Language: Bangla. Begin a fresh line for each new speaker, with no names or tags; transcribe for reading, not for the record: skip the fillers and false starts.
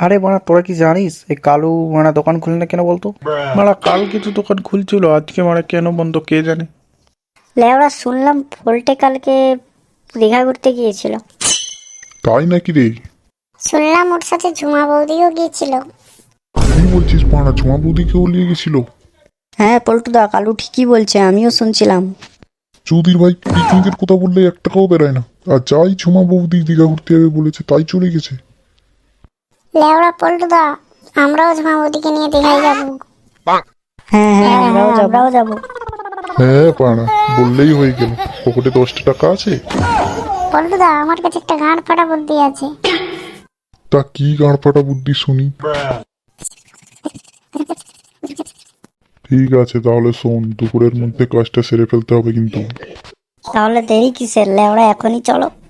আরে বাড়া, তোরা কি জানিস এই কালু মারা দোকান খুলে না কেন বলতো? মারা কালকে তো দোকান খুলছিল, আজকে মারা কেন বন্ধ কে জানে।
লেওড়া শুনলাম ফোল্টে কালকে দীঘা ঘুরতে গিয়েছিল।
তাই নাকি রে?
শুনলাম ওর সাথে ঝুমা বৌদিও গিয়েছিল।
কি বলছিস পাড়া, ঝুমা বৌদিকেও নিয়ে গেছিল?
হ্যাঁ পল্টুদা, কালু ঠিকই বলছে, আমিও শুনছিলাম।
চৌধুরী ভাই পিকনিকের কথা বললে এক টাকাও বেরোয় না, আর যাই ঝুমা বৌদি দীঘা ঘুরতে যাবে বলেছে তাই চলে গেছে।
লেওড়া পল্টুদা, আমরাও ঝুমা বৌদিকে নিয়ে দীঘায় যাবো।
হ্যাঁ হ্যাঁ, আমরাও যাবো।
হ্যাঁ পাড়া, বললেই হয়ে গেল। পকেটে 10টা টাকা আছে।
পল্টুদা, আমার কাছে একটা গাঁট ফাটা বুদ্ধি আছে।
তা কি গাঁড় ফাটা বুদ্ধি শুনি। ঠিক আছে তাহলে শোন, দুপুরের মধ্যে কাজটা সেরে ফেলতে হবে কিন্তু।
তাহলে দেরি কিসের, লেওড়া এখনই চলো।